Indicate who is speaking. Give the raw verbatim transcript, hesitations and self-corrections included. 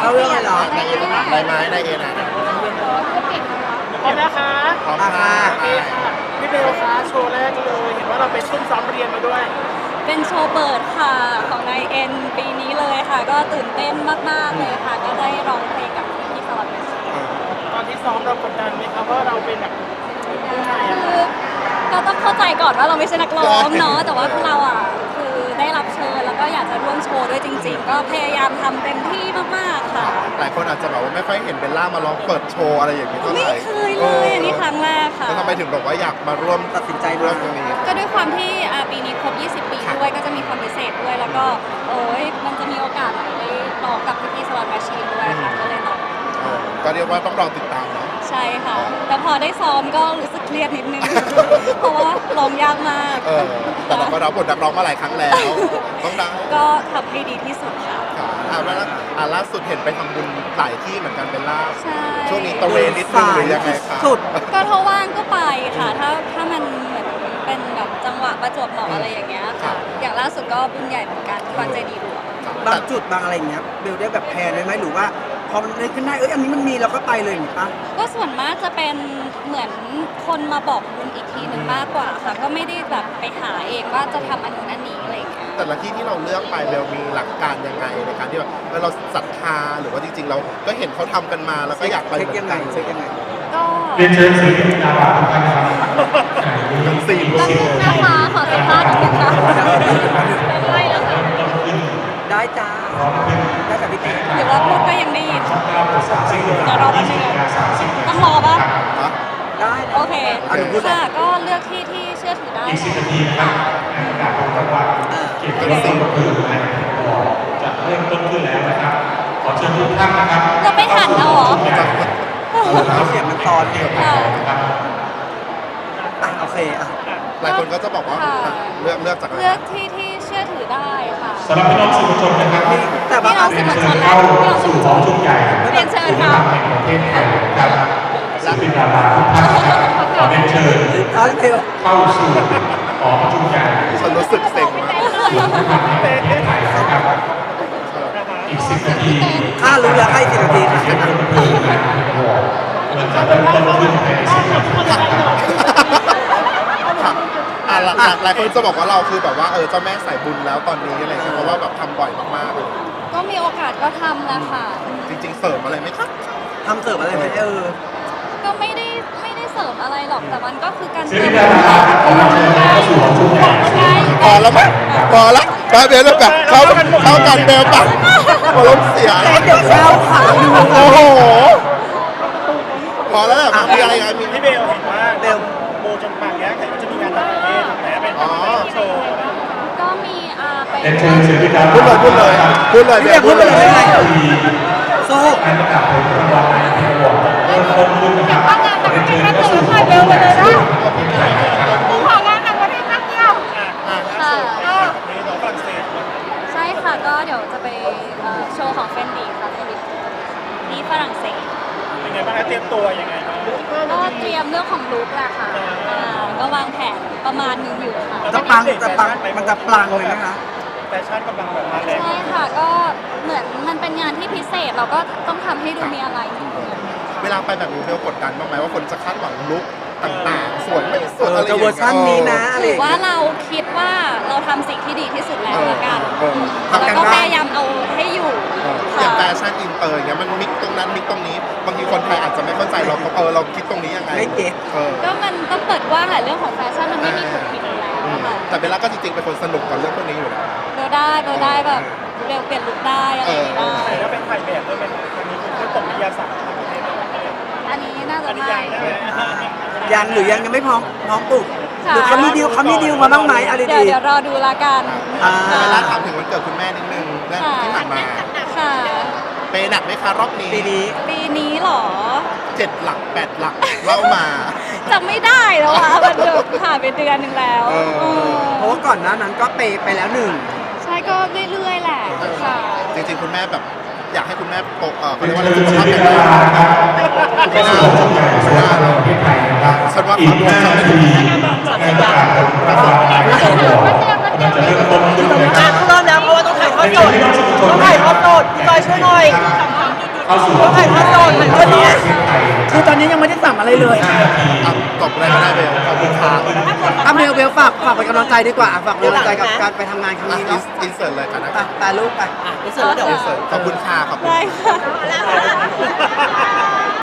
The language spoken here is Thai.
Speaker 1: เข้าเรื่องเลยเหรอ
Speaker 2: นายเอจะถามได้ไหมนายเอนะ
Speaker 3: พร้อมนะคะ
Speaker 2: พร้อมค่ะ
Speaker 3: โอเคค่ะพี่เบลคะโชว์แรกเลยเห็นว่าเราไปซุ่มซ้อมเรียนมาด้วย
Speaker 4: เป็นโชว์เปิดค่ะของนายเอ็นปีนี้เลยค่ะ ก็ตื่นเต้นมากๆเลยค่ะ ก็ได้ร้องเพลงกับพี่สลับเมชี
Speaker 3: ตอนที่ซ้อมเรากดดันไหมคะว่าเราเป็นแบบผู้ชายอะ
Speaker 4: คือก็ต้องเข้าใจก่อนว่าเราไม่ใช่นักร้องเนาะแต่ว่าพวกเราอ่ะคือได้รับเชิญแล้วก็อยากจะร่วมโชว์ด้วยจริง ๆ ก็พยายามทำเต็มที่มากๆค่ะ
Speaker 2: หลายคนอาจจะแบบว่าไม่ค่อยเห็นเบลล่ามาร้องเปิดโชว์อะไรอย่างนี้เท่าไห
Speaker 4: ไม่
Speaker 2: ร่
Speaker 4: เคยเลยอันนี้ครั้งแรกค่ะ
Speaker 2: แล้วทำไมถึงบอกว่าอยากมาร่วม
Speaker 1: ตัดสินใจ
Speaker 2: ร่ว
Speaker 1: มาม
Speaker 2: ตรงนี้
Speaker 4: ก็ด้วยความที่อ่าปีนี้ครบ ยี่สิบ ปีด้วยก็จะมีความพิเศษด้วย แล้วก็โอ้ยมันจะมีโอกาสได้ร้องกับพี่สลับแมชชีนด้วยค่ะก็เลยร้อง
Speaker 2: เออก็เรียกว่าต้องรอติดตามนะ
Speaker 4: ใช่ค่ะ แต่พอได้ซ้อมก็รู้สึกเครียดนิดนึง เพราะว่าร้องยากมาก
Speaker 2: เออแต่เราก็รับบทนักร้องมาหลายครั้งแล้ว ต้องดัง
Speaker 4: ก็ทำให้ดีที่สุดค่ะ
Speaker 2: ค่ะอ่าแล้วอ่าล่าสุดเห็นไปทำบุญหลายที่เหมือนกันเบลล่า
Speaker 4: ใช่
Speaker 2: ช่วงนี้ตะเวนนิดนึงหรือยังไงคะ
Speaker 1: สุด
Speaker 4: ก็ถ้าว่างก็ไปค่ะ ถ้าถ้ามันเหมือนเป็นแบบจังหวะประจวบเหมาะอะไรอย่างเงี้ยค่ะ อย่างล่าสุดก็บุญใหญ่เหมือนกันที่วัดเจดีย์หลวง
Speaker 1: บางจุดบางอะไรอย่างเงี้ยเบลได้แบบแพลนไว้ไหมหรือว่าพอมันเลยขึ้นได้เอ้ยอันนี้มันมีเราก็ไปเลยอย่างนี้ปะ
Speaker 4: ก็ส่วนมากจะเป็นเหมือนคนมาบอกบุญอีกทีหนึ่งมากกว่าค่ะ ก็ไม่ได้แบบไปหาเองว่าจะทำอันนู้นอันนี้อะไรอย่างเงี้ย
Speaker 2: แต่ละที่ที่เราเลือกไปเบลมีหลักการยังไงในการที่แบบเออเราศรัทธาหรือว่าจริงๆเราก็เห็นเขาทำกันมาแล้วก็อยากไป
Speaker 1: เช็ค
Speaker 2: เหมือ
Speaker 1: ยัง
Speaker 2: น
Speaker 1: ไง
Speaker 2: กัน
Speaker 1: เช็คยังไง
Speaker 4: ก็
Speaker 5: เรียนเชิญศิลปินดาราทุกท่านครับ
Speaker 2: ทั้งสี่
Speaker 4: ตั้งนึงนะคะขอสัมภาษณ์นิดนึงค่ะใช่แล้วค่ะ
Speaker 1: ได้จ้าได้จากพี่เต้
Speaker 4: หรือว่าพูดก็ยังได้ยินเดี๋ยวรอแป๊บนึงต้องรอปะ
Speaker 2: ฮะ
Speaker 1: ได้
Speaker 4: โอเค
Speaker 1: อ่ะหนูพูดเลย
Speaker 4: ค่ะก็เลือกที่ที่เชื่อถือได้
Speaker 5: อีกสิบนาทีนะครับงานประกาศของจังหวัดเกี่ยวกับต้นก็คือในบ่อจะเริ่มต้นขึ้นแล้วนะครับ ขอเชิญทุกท่านนะครับ
Speaker 4: เราไม่ทันแล้วเหรอ
Speaker 1: เอาเสียงมันตอนเดียว
Speaker 4: ค่ะ
Speaker 1: อ่ะโอเคอ่ะ
Speaker 2: หลายคนก็จะบอกว่า
Speaker 4: ค่ะ
Speaker 2: เลือกเลือกจากอะไร
Speaker 4: เลือกที่ที่เชื่อถือได้ค่ะ
Speaker 5: สำหรับพี่น้องสื่อมวลชนนะครับ
Speaker 1: แต่บาง
Speaker 4: พี่น้องสื่อมวลชนและ
Speaker 5: เข้า
Speaker 4: พี่น้องสื่
Speaker 5: สู่
Speaker 4: อมวลช
Speaker 5: ห้อน งชุดใหญ่
Speaker 4: เรียนเชิญค่ะ
Speaker 5: แห่งประเทศไทยนะครับศิลปินดาราทุกท่านนะครับขอเรียนเชิญ
Speaker 1: เอาเร็ว
Speaker 5: เข้าสู่หอประชุมใหญ่
Speaker 2: ฉันรู้สึกเซ็งมาก
Speaker 5: อีกสิบนาที
Speaker 1: ข้ารู้แล้วให้สิบนาทีค่ะ
Speaker 5: มันจะเริ่มต้นขึ้นในสิบนาที
Speaker 2: ค่ะอ่ะหลายหลายคนจะบอกว่าเราคือแบบว่าเออเจ้าแม่สายบุญแล้วตอนนี้อะไรเงี้ยเพราะว่าแบบทำบ่อยมากๆเลย
Speaker 4: ก็มีโอกาสก็ทำแหละค่ะ
Speaker 2: จริงๆเสริมอะไรไหมคะ
Speaker 1: ทำเสิร์ฟอะไรไหมเออ
Speaker 4: ก็ไม่ได้ไม่ได้เสริมอะไรหรอกแต่มันก็คือการ
Speaker 5: ศิล
Speaker 4: เติ
Speaker 5: ปิ
Speaker 4: ม
Speaker 5: นดาราขอเชิญเข้าสู่หอประชุมใหญ่
Speaker 2: พอแล้วไหมพอแล้วไปเบลแล้วแบบเข้าเข้ากันเบลปังหัวล้มเสีย
Speaker 1: เดี๋ยวเข้าขาดู
Speaker 2: โอ้โหพอแล้วแบบมีอะไรกันมี
Speaker 3: พี่เบลเห็นว่าเบลโบจนปากแย้แต่ก็จะมีงานต่างประเทศแต่เป็นโชว์
Speaker 4: ก็มีอ่าไป
Speaker 5: เรียนเชิญศิลปินดารา
Speaker 2: พูดเลยพูดเลยพูดเลย
Speaker 1: พี่เบลพูดไปเลยไม่เป็นไร
Speaker 5: ที
Speaker 1: โซ่
Speaker 5: การประกาศผลรางวัลในแห่งวอร์ดเริ่มต้นขึ้นนะครับเรียนเชิญเข้าสู่หอประชุมใหญ่ประเทศไทยนะครับ
Speaker 4: ของานต่างประเทศนักเที่ยว
Speaker 3: อ่ะล่าสุดไปต่างประเทศฝรั่งเศส
Speaker 4: ใช่ค่ะก็เดี๋ยวจะไปเอ่อโชว์ของเฟนดีค่ะเฟนดีที่ฝรั่งเศส
Speaker 3: เป็นไงบ้างคะเตรียมตัวยังไงบ้าง
Speaker 4: ก็เตรียมเรื่องของลุคแหละค่ะอ่าก็วางแผนประมาณหนึงอยู่ค่ะ
Speaker 1: จะปังจะปังมันจะปลังเลยนะคะ
Speaker 3: แฟชั่นกำลังแบบมาแรง
Speaker 4: ใช่ค่ะก็เหมือนมันเป็นงานที่พิเศษเราก็ต้องทำให้ดูมีอะไรจริงๆ
Speaker 2: เวลาไปแบบนี้เบลกดดันบ้างไหมว่าคนจะคาดหวังลุคต่างๆสวยไม่สวย
Speaker 1: เออ
Speaker 2: อะไรอ
Speaker 1: จะ
Speaker 2: ย่าง
Speaker 1: เวอ
Speaker 2: เงี้
Speaker 1: ร์ชันนี้นะอะไร
Speaker 4: ห
Speaker 1: อ
Speaker 4: รื
Speaker 1: ย่า
Speaker 4: อง ว่า
Speaker 1: เงี้ย
Speaker 4: เราคิดว่าเราทำสิ่งที่ดีที่สุดแล้วละกัน
Speaker 2: เออ
Speaker 4: แล้วก็พยายามเอาให้อยู่
Speaker 2: อ
Speaker 4: ค่ะ
Speaker 2: ย่างแฟชั่นอินเตอร์อย่างเงี้ยมันมิกตรงนั้นมิกตรงนี้บางทีคนไทยอาจจะไม่เข้าใจเราก็เออเราคิดตรงนี้ยังไง
Speaker 1: ไม่เก็ต
Speaker 2: เออ
Speaker 4: ก็มันต้องเปิดกว้างแหละเรื่องของแฟชั่นมันไม่มีถูกผิดอยู่แล้ว
Speaker 2: อืม
Speaker 4: ค่ะ
Speaker 2: แต่เบลล่าก็จริงๆเป็นคนสนุกกับเรื่องพวกนี้อยู่แล้ว
Speaker 4: เบลได้เบลได้แบบเบลเปลี่ยนลุคได้อะไรอย่างงี้ได้
Speaker 3: ใช่แล้วเป็นถ่ายแบบด้วยเป็นอันนี้คือคือตกวิทยาศาสตร์ต่างประเทศ
Speaker 4: อันนี้น่าจะ
Speaker 3: อันนี้
Speaker 4: ไม่
Speaker 3: ยังได้ไหม
Speaker 1: ยังหรือยังยังไม่พร้อมพร้อมปลุก
Speaker 4: ค่ะ
Speaker 1: หรือเขามีดีลเขามีดีลมาบ้างไหมอะไร
Speaker 4: เดี๋ยว
Speaker 1: ดี
Speaker 4: เดี๋ยวรอดูละกัน
Speaker 1: อ่า
Speaker 2: เบลล่าถามถึงวันเกิดคุณแม่นิดนึงเรื่องที่ผ่านมา
Speaker 4: ค่ะ
Speaker 2: เปย์หนักไหมคะรอบนี้
Speaker 1: ปีนี้
Speaker 4: ปีนี้เหรอ
Speaker 2: เจ็ดหลักแปดหลักเล่ามา
Speaker 4: จำไม่ได้แล้วอ่ะมันเดือผ่านไปเดือนหนึ่งแล้ว
Speaker 2: เออ
Speaker 4: เออ
Speaker 1: เพราะว่าก่อนหน้านั้นก็เปย์ไปแล้วหนึ่ง
Speaker 4: ใช่ก็เรื่อยๆแหละค่ะ
Speaker 2: จริงๆคุณแม่แบบอยากให้คุณแม่โตเออเขา เรียก
Speaker 5: เรียน
Speaker 2: ว่าอะไร
Speaker 5: เชิญ
Speaker 2: สุข
Speaker 5: ศิล
Speaker 2: ภาพ
Speaker 5: ปิน
Speaker 2: แข็ง
Speaker 5: ดา
Speaker 2: แรง
Speaker 5: ราครับเข้าสู่หอประชุมใหญ่สุขภาพประเทศไทยนะครับ
Speaker 2: ฉันว่า
Speaker 5: อีกห้านาทีงานประกาศผลรางวัลในแห่งวอร์ดกำลังจะเริ่มต้นขึ้นนะครับ
Speaker 6: เริ่มแล้วเพราะว่าต้องถ่ายทอดสดต้องถ่ายทอดสดพี่จอยช่วยหน่อย
Speaker 5: เข้าสู่
Speaker 1: ก็ถ่ายภาพตอนถ่ายภาพนี้
Speaker 5: ประเทศไทย
Speaker 1: คือตอนนี้ยังไม่ได้สั่งอะไรเลย
Speaker 5: ห้านาที
Speaker 2: อ่ะตบอะไรก็ได้เบลขอบคุณครับ
Speaker 1: อ่ะเบลเบลฝากฝากเป็นกำลังใจดีกว่าอ่ะฝากเป็นกำลังใจกับการไปทำงานครั้ง
Speaker 2: อ่ะ
Speaker 1: นี้
Speaker 2: อิ
Speaker 1: เนาะ
Speaker 2: นเสิร์ตเลยกันนะ
Speaker 1: ไปไปลูกไป
Speaker 6: อ่ะนี่เสร็จแล้วเดี๋ยว
Speaker 2: อินเสิร์ตขอบคุณค่ะขอบคุณ
Speaker 4: ได้ค่ะ
Speaker 6: แล้ว